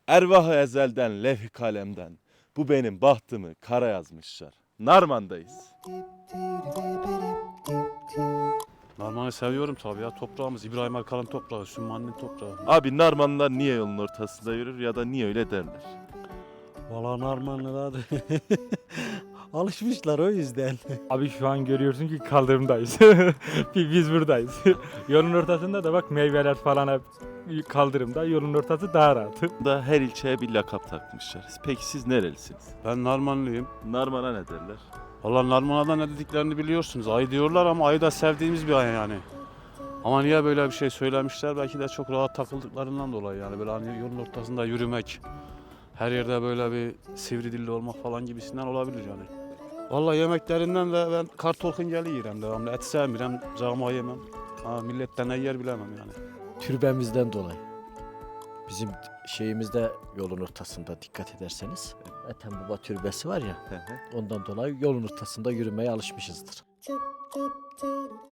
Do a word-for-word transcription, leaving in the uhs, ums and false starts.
Ervah-ı ezelden, levh-i kalemden. Bu benim bahtımı kara yazmışlar. Narman'dayız. Narman'ı seviyorum tabii ya. Toprağımız İbrahim Erkal'ın toprağı, Sümmani'nin toprağı. Abi Narmanlılar niye yolun ortasında yürür ya da niye öyle derler? Valla Narmanlılar alışmışlar o yüzden. Abi şu an görüyorsun ki kaldırımdayız. Biz buradayız. Yolun ortasında da bak meyveler falan hep kaldırımda. Yolun ortası daha rahat. Da her ilçeye bir lakap takmışlar. Peki siz nerelisiniz? Ben Narmanlıyım. Narman'a ne derler? Valla Narman'a ne dediklerini biliyorsunuz. Ay diyorlar ama ayı da sevdiğimiz bir ay yani. Ama niye böyle bir şey söylemişler? Belki de çok rahat takıldıklarından dolayı yani. Böyle hani yolun ortasında yürümek, her yerde böyle bir sivri dilli olmak falan gibisinden olabilir yani. Valla yemeklerinden de ben kartolkun geli yerim devamlı. Et sevmiyorum, cağma yemem. Ha, milletten ne yer bilemem yani. Türbemizden dolayı. Bizim şeyimizde yolun ortasında dikkat ederseniz. Ethem Baba türbesi var ya. Ondan dolayı yolun ortasında yürümeye alışmışızdır.